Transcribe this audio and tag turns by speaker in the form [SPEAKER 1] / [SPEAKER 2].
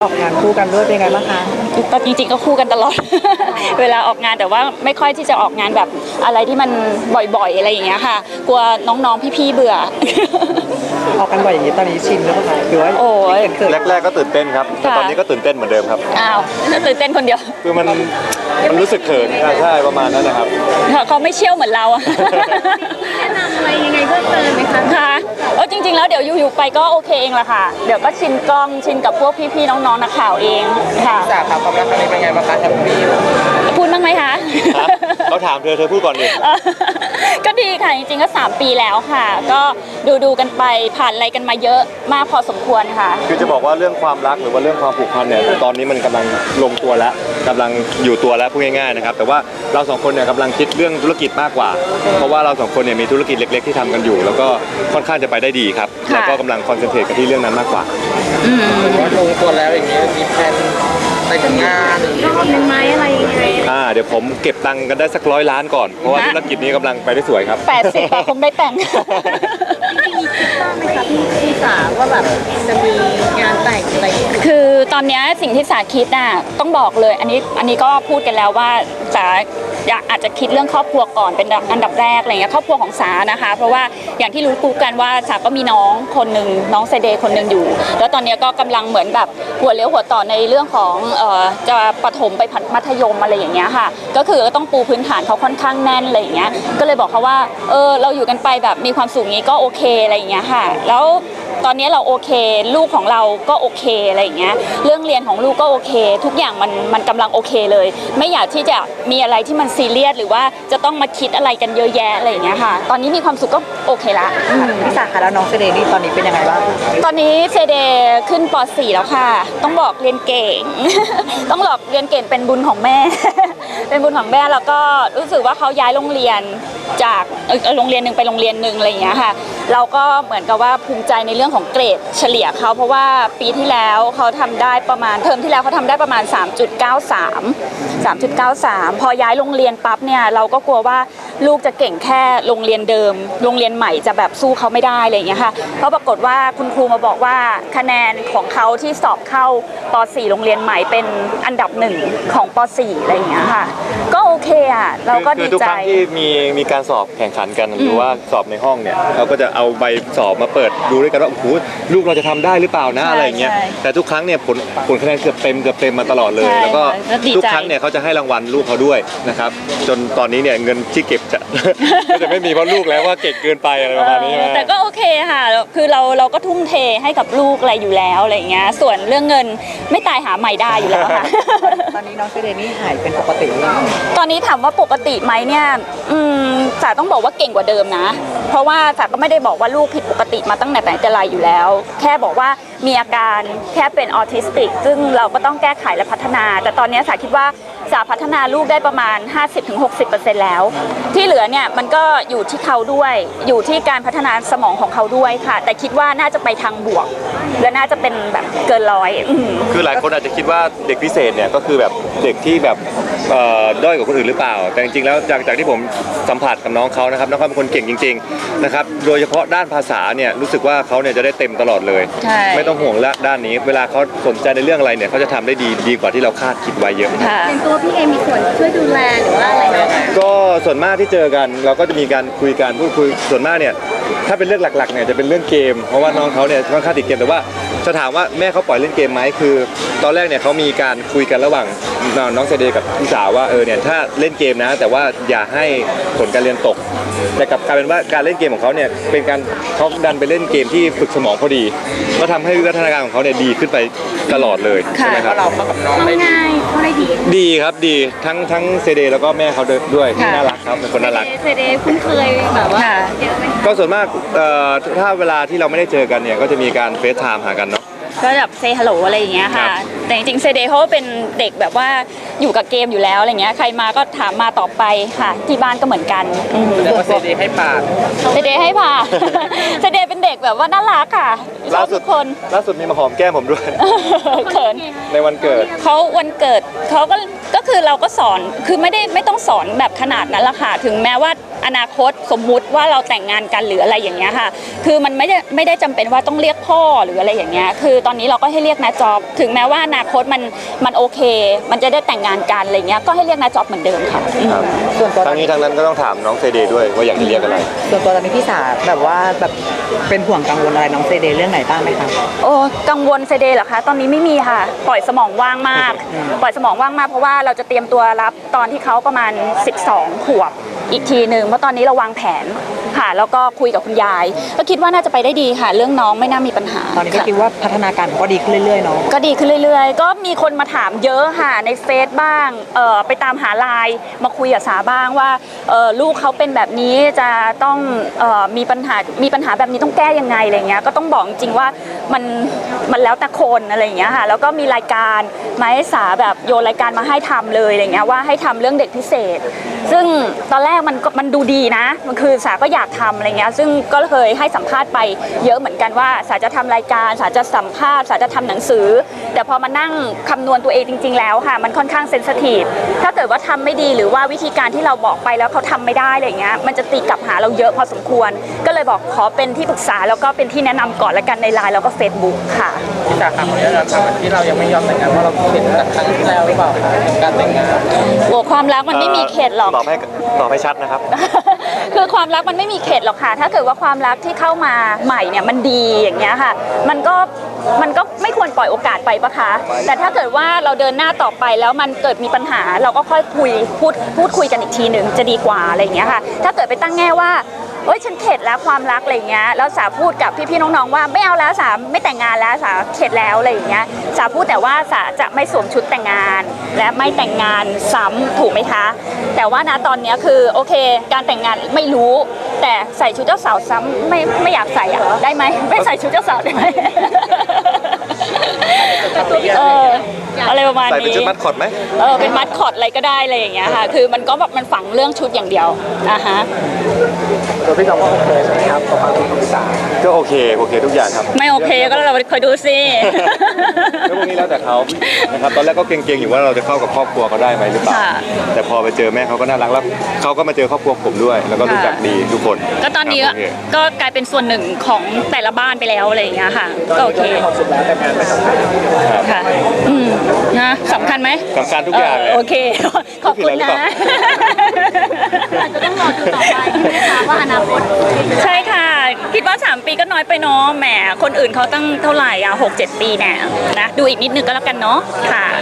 [SPEAKER 1] ออกงานคู่กันด้วยเป็นไงบ้างคะ
[SPEAKER 2] ก็จริงๆก็คู่กันตลอด เวลาออกงานแต่ว่าไม่ค่อยที่จะออกงานแบบอะไรที่มันบ่อยๆอะไรอย่างเงี้ยค่ะกลัวน้องๆพี่ๆเบื่อ
[SPEAKER 1] ออกกันบ่อยอย่างนี้ตอนนี้ชินแล้วคะหรือว่า
[SPEAKER 2] โอ้ย
[SPEAKER 3] แรกๆก็ตื่นเต้นครับแต่ตอนนี้ก็ตื่นเต้นเหมือนเดิมครับ
[SPEAKER 2] อ้าวตื่นเต้นคนเดียว
[SPEAKER 3] คือมันรู้สึกเขินใช่ประมาณนั้นนะครับ
[SPEAKER 2] เขาไม่เชี่ยวเหมือนเราอะ
[SPEAKER 4] แนะนำอะไรยังไงเพิ่มเติมไหมคะ
[SPEAKER 2] ค่ะจริงๆแล้วเดี๋ยวอยู่ๆไปก็โอเคเองแหละค่ะเดี๋ยวก็ชินกล้องชินกับพวกพี่ๆน้องๆนักข่าวเองค่ะ
[SPEAKER 1] จากความรักครั้งนี้เป็นไงบ้างคะแฮปปี้
[SPEAKER 2] พูดบ้างไหมคะ
[SPEAKER 3] เขาถามเธอพูดก่อนดิ
[SPEAKER 2] ก็ดีค่ะจริงๆก็3 ปีแล้วค่ะก็ดูกันไปผ่านอะไรกันมาเยอะมากพอสมควรค่ะ
[SPEAKER 3] คือจะบอกว่าเรื่องความรักหรือว่าเรื่องความผูกพันเนี่ยตอนนี้มันกำลังลงตัวแล้วกำลังอยู่ตัวแล้วพูดง่ายๆนะครับแต่ว่าเรา2คนเนี่ยกำลังคิดเรื่องธุรกิจมากกว่าเพราะว่าเรา2คนเนี่ยมีธุรกิจเล็กๆที่ทำกันอยู่แล้วก็ค่อนข้างจะไปได้ดีครับแล้วก็กำลังคอนเซนเทรตกันที่เรื่องนั้นมากกว่า
[SPEAKER 1] ว่าลงตัวแล้วอย่างนี้มีแผนไปทำงาน
[SPEAKER 4] เป็นไม้อะไรยังไง
[SPEAKER 3] เดี๋ยวผมเก็บตังค์กันได้สัก100 ล้านก่อนเพราะว่าธุรกิจนี้กำลังไปได้สวยครับ
[SPEAKER 2] 80คงได้แต่ง
[SPEAKER 4] ไหมคะพี่สาว่าแบบจะมีงานแต่งอะไร
[SPEAKER 2] คือตอนนี้สิ่งที่สาคิดน่ะต้องบอกเลยอันนี้ก็พูดกันแล้วว่าสาอาจจะคิดเรื่องครอบครัวก่อนเป็นอันดับแรกอะไรเงี้ยครอบครัวของสานะคะเพราะว่าอย่างที่รู้กันว่าสาก็มีน้องคนหนึ่งน้องเซเดย์คนหนึ่งอยู่แล้วตอนนี้ก็กำลังเหมือนแบบหัวเลี้ยวหัวต่อในเรื่องของจะประถมไปมัธยมอะไรอย่างเงี้ยค่ะก็คือต้องปูพื้นฐานเขาค่อนข้างแน่นอะไรอย่างเงี้ยก็เลยบอกเขาว่าเราอยู่กันไปแบบมีความสุขนี้ก็โอเคอะไรอย่างเงี้ยค่ะแล้วตอนนี้เราโอเคลูกของเราก็โอเคอะไรอย่างเงี้ยเรื่องเรียนของลูกก็โอเคทุกอย่างมันกำลังโอเคเลยไม่อยากที่จะมีอะไรที่มันซีเรียสหรือว่าจะต้องมาคิดอะไรกันเยอะแยะอะไรอย่างเงี้ยค่ะตอนนี้มีความสุขก็โอเคละ
[SPEAKER 1] พี่สาค่ะแล้วน้องเซเดนี่ตอนนี้เป็นยังไงบ้าง
[SPEAKER 2] ตอนนี้เซเดขึ้นป .4 แล้วค่ะต้องบอกเรียนเก่ง ต้องบอกเรียนเก่งเป็นบุญของแม่ เป็นบุญของแม่แล้วก็รู้สึกว่าเขาย้ายโรงเรียนจากโรงเรียนหนึ่งไปโรงเรียนหนึ่งอะไรอย่างเงี้ยค่ะเราก็เหมือนกับว่าภูมิใจในเรื่องของเกรดเฉลี่ยเขาเพราะว่าปีที่แล้วเขาทำได้ประมาณเทอมที่แล้วเขาทำได้ประมาณ 3.93 พอย้ายโรงเรียนปั๊บเนี่ยเราก็กลัวว่าลูกจะเก่งแค่โรงเรียนเดิมโรงเรียนใหม่จะแบบสู้เขาไม่ได้อะไรอย่างเงี้ยค่ะเพราะปรากฏว่าคุณครูมาบอกว่าคะแนนของเขาที่สอบเข้าป .4 โรงเรียนใหม่เป็นอันดับ1ของป .4 อะไรอย่างเงี้ยค่ะก็โอเคอ่ะเราก็ดีใจ
[SPEAKER 3] ทุกครั้งที่มีการสอบแข่งขันกันหรือว่าสอบในห้องเนี่ยเราก็จะเอาใบสอบมาเปิดดูด้วยกันว่าโอ้โหลูกเราจะทำได้หรือเปล่านะอะไรอย่างเงี้ยแต่ทุกครั้งเนี่ยผลคะแนนเกือบเต็มมาตลอดเลยแล้วก็ทุกครั้งเนี่ยเขาจะให้รางวัลลูกเขาด้วยนะครับจนตอนนี้เนี่ยเงินที่เก็บจะ ก็จะไม่มีเพราะลูกแล้วว่าเก่งเกินไปอะไรประมาณนี้
[SPEAKER 2] แต่ก็โอเคค่ะคือเราก็ทุ่มเทให้กับลูกอะไรอยู่แล้วอะไรอย่างเงี้ยส่วนเรื่องเงินไม่ตายหาใหม่ได้อยู่แล้วค่ะ
[SPEAKER 1] ตอนนี้น้องเซเดนี่หายเป็นปกติแล้ว
[SPEAKER 2] ตอนนี้ถามว่าปกติไหมเนี่ยสาต้องบอกว่าเก่งกว่าเดิมนะเพราะว่าสาก็ไม่ได้บอกว่าลูกผิดปกติมาตั้งแต่ไหนแต่ไรอยู่แล้วแค่บอกว่ามีอาการแค่เป็นออทิสติกซึ่งเราก็ต้องแก้ไขและพัฒนาแต่ตอนนี้สาคิดว่าสาพัฒนาลูกได้ประมาณ 50-60% แล้วที่เหลือเนี่ยมันก็อยู่ที่เขาด้วยอยู่ที่การพัฒนาสมองของเขาด้วยค่ะแต่คิดว่าน่าจะไปทางบวกและน่าจะเป็นแบบเกินร้อย
[SPEAKER 3] คือหลายคนอาจจะคิดว่าเด็กพิเศษเนี่ยก็คือแบบเด็กที่แบบด้อยกว่าคนอื่นหรือเปล่าแต่จริงๆแล้วจากที่ผมสัมผัสกับน้องเขานะครับน้องเขาเป็นคนเก่งจริงๆนะครับโดยเฉพาะด้านภาษาเนี่ยรู้สึกว่าเขาเนี่ยจะได้เต็มตลอดเลยไม่ต้องห่วงละด้านนี้เวลาเขาสนใจในเรื่องอะไรเนี่ยเขาจะทำได้ดีกว่าที่เราคาดคิดไว้เยอะ
[SPEAKER 4] เป็นตัวพี่เอมีส่วนช่วยดูแลหรือว่าอะไรไหม
[SPEAKER 3] ก็ส่วนมากที่เจอกันเราก็จะมีการคุยกันพูดคุยส่วนมากเนี่ยถ้าเป็นเรื่องหลักๆเนี่ยจะเป็นเรื่องเกมเพราะว่าน้องเขาเนี่ยค่อนข้างติดเกมแต่ว่าจะถามว่าแม่เขาปล่อยเล่นเกมไหมคือตอนแรกเนี่ยเขามีการคุยกันระหว่างน้องเซเดย์กับพี่สาวว่าเนี่ยถ้าเล่นเกมนะแต่ว่าอย่าให้ผลการเรียนตกแต่กลับกลายเป็นว่าการเล่นเกมของเขาเนี่ยเป็นการเขาดันไปเล่นเกมที่ฝึกสมองพอดีก็ทำให้วิวัฒนาการของเขาเนี่ยดีขึ้นไปตลอดเลยใช่ไหมครับ
[SPEAKER 1] เราเข้ากับน้องได้
[SPEAKER 3] ดีครับดีทั้งเซเดย์แล้วก็แม่เขาด้วยน่ารักครับเป็นคนน่ารัก
[SPEAKER 4] เซเดย์คุ้นเคยแบบว่าเยอะไหม
[SPEAKER 3] ก็ส่วนมากถ้าเวลาที่เราไม่ได้เจอกันเนี่ยก็จะมีการเฟซไทม์หากันเนาะ
[SPEAKER 2] ก็แบบเซฮัลโหลอะไรอย่างเงี้ยค่ะแต่จริงๆเซเดย์เขาเป็นเด็กแบบว่าอยู่กับเกมอยู่แล้วอะไรเงี้ยใครมาก็ถามมาต่อไปค่ะที่บ้านก็เหมือนกัน
[SPEAKER 1] แล้วก็เซเดย์ให้ปาก
[SPEAKER 2] เซเดย์ให้ผ่าเซเดย์เป็นเด็กแบบว่าน่ารักค่ะ
[SPEAKER 3] ล่าสุดมีมาหอมแก้มผมด้วย
[SPEAKER 2] เขิน
[SPEAKER 3] ในวันเกิด
[SPEAKER 2] เขาวันเกิดเขาก็คือเราก็สอนคือไม่ต้องสอนแบบขนาดนั้นละค่ะถึงแม้ว่าอนาคตสมมุติว่าเราแต่งงานกันหรืออะไรอย่างเงี้ยค่ะคือมันไม่ได้จำเป็นว่าต้องเรียกพ่อหรืออะไรอย่างเงี้ยคือตอนนี้เราก็ให้เรียกนาจอบถึงแม้ว่าอนาคตมันโอเค มันจะได้แต่งงานกันอะไรเงี้ยก็ให้เรียกนาจอบเหมือนเดิมค่ะ
[SPEAKER 3] ครับ
[SPEAKER 4] ส่วนตัว
[SPEAKER 3] ทั้งนี้ทั้งนั้นก็ต้องถามน้องเซเดย์ด้วยว่าอยากจะเรียกอะไร
[SPEAKER 4] ส่วนตัวตอนนี้พี่สาแบบว่าแบบเป็นห่วงกังวลอะไรน้องเซเดย์เรื่องไหนบ้างไหมคะ
[SPEAKER 2] โอ้กังวลเซเดย์เหรอคะตอนนี้ไม่มีค่ะ ปล่อยสมองว่างมาก ปล่อยสมองว่างมากเพราะว่าเราจะเตรียมตัวรับตอนที่เขาประมาณ 12 ขวบอีกทีหนึ่งเพราะตอนนี้เราวางแผนค่ะแล้วก็คุยกับคุณยายก็คิดว่าน่าจะไปได้ดีค่ะ เรื่องน้องไม่น่ามีปัญหา
[SPEAKER 4] ตอนนี้ก็
[SPEAKER 2] ค่ะ
[SPEAKER 4] คิดว่าพัฒนาการก็ดีขึ้นเรื่อยๆเนาะ
[SPEAKER 2] ก็ดีขึ้นเรื่อยๆ ก็มีคนมาถามเยอะค่ะในเฟซบ้างไปตามหาไลน์มาคุยกับสาบ้างว่าลูกเขาเป็นแบบนี้จะต้องมีปัญหาแบบนี้ต้องแก้ยังไงอะไรเงี้ยก็ต้องบอกจริงๆว่ามันแล้วแต่คนอะไรอย่างเงี้ยค่ะแล้วก็มีรายการมาให้สาแบบโยนรายการมาให้ทำเลยอะไรเงี้ยว่าให้ทำเรื่องเด็กพิเศษ ซึ่งตอนแรกมันดูดีนะมันคือสาก็อยากทำอะไรเงี้ยซึ่งก็เคยให้สัมภาษณ์ไปเยอะเหมือนกันว่าสาจะทำรายการสาจะสัมภาษณ์สาจะทำหนังสือ แต่พอมานั่งคำนวณตัวเองจริงๆแล้วค่ะมันค่อนข้างเซนซิทีฟถ้าเกิดว่าทำไม่ดีหรือว่าวิธีการที่เราบอกไปแล้วเขาทำไม่ได้อะไรเงี้ยมันจะตีกลับหาเราเยอะพอสมควร ก็เลยบอกขอเป็นที่ปรึกษาแล้วก็เป็นที่แนะนำก่อนละกันในไลน์แล้วก็ Facebook ค่ะ
[SPEAKER 1] พี่สาขาของเราทำที่เรายังไม่ยอมแต่งงานว่าเราเข็ดจากครั้งที่แล้วหรือเปล่าคะการแต่งงาน
[SPEAKER 2] โอ้ความรักมันไม่มีเขตหรอก
[SPEAKER 3] ตอบให้ชัดนะครับ
[SPEAKER 2] คือความรักมันไม่มีเขตหรอกค่ะ ถ้าเกิดว่าความรักที่เข้ามาใหม่เนี่ยมันดีอย่างเงี้ยค่ะ มันก็ไม่ควรปล่อยโอกาสไปปะคะ แต่ถ้าเกิดว่าเราเดินหน้าต่อไปแล้วมันเกิดมีปัญหาเราก็ค่อยพูดคุยกันอีกทีหนึ่งจะดีกว่าอะไรอย่างเงี้ยค่ะ ถ้าเกิดไปตั้งแง่ว่าโอ๊ยฉันเข็ดแล้วความรักอะไรอย่างเงี้ย แล้วสาพูดกับพี่ๆน้องๆว่าไม่เอาแล้วสาไม่แต่งงานแล้วสาเข็ดแล้วอะไรอย่างเงี้ย สาพูดแต่ว่าสาจะไม่สวมชุดแต่งงาน และไม่แต่งงานซ้ำถูกไหมคะ แต่ว่านะตอนเนี้ยคือโอเค การแต่งงานไม่รู้ แต่ใส่ชุดเจ้าสาวซ้ำไม่อยากใส่อะได้ไหมไม่ใส่ชุดเจ้าสาวได้ไหม อะไรประมาณ
[SPEAKER 3] ใส่เป็น
[SPEAKER 2] นี้
[SPEAKER 3] ชุดมัดคอตไหม
[SPEAKER 2] เป็นมัดคอตอะไรก็ได้อะไรอย่างเงี้ยค่ะ คือมันก็แบบมันฝังเรื่องชุดอย่างเดียวนะคะ
[SPEAKER 1] ตัวพี่น้องว่าโอเคใช่ไหมครับกับความคิดของพี่สา
[SPEAKER 3] ก็โอเคทุกอย่างครับ
[SPEAKER 2] ไม่โอเคก็เราคอยดูสิ
[SPEAKER 3] แล้วพวกนี้แล้วแต่เขานะครับตอนแรกก็เกรงๆอยู่ว่าเราจะเข้ากับครอบครัวเขาได้ไหมหรือเปล่า
[SPEAKER 2] ค่ะ
[SPEAKER 3] แต่พอไปเจอแม่เขาก็น่ารักแล้วเขาก็มาเจอครอบครัวผมด้วย แล้วก็รู้จักดีทุกคน
[SPEAKER 2] ก็ตอนนี้
[SPEAKER 3] ครับโอเค
[SPEAKER 2] ก็กลายเป็นส่วนหนึ่งของแต่ละบ้านไปแล้วอะไรอย่างเงี้ยค่ะก็โอเค
[SPEAKER 1] ความสุขแล้วแต่งงานไม่สำคัญ
[SPEAKER 3] ครับ
[SPEAKER 2] ค่ะนะสำคัญไหม
[SPEAKER 3] สำคัญทุกอย่างเลย
[SPEAKER 2] โอเค ขอบคุณนะ
[SPEAKER 4] อาจจะต้องรอดูต่อไปนะคะว่าอนาคต
[SPEAKER 2] ใช่ค่ะ คิดว่า 3 ปีก็น้อยไปเนาะแหมคนอื่นเขาตั้งเท่าไหร่6-7 ปีแน่นะดูอีกนิดนึงก็แล้วกันเนาะค่ะ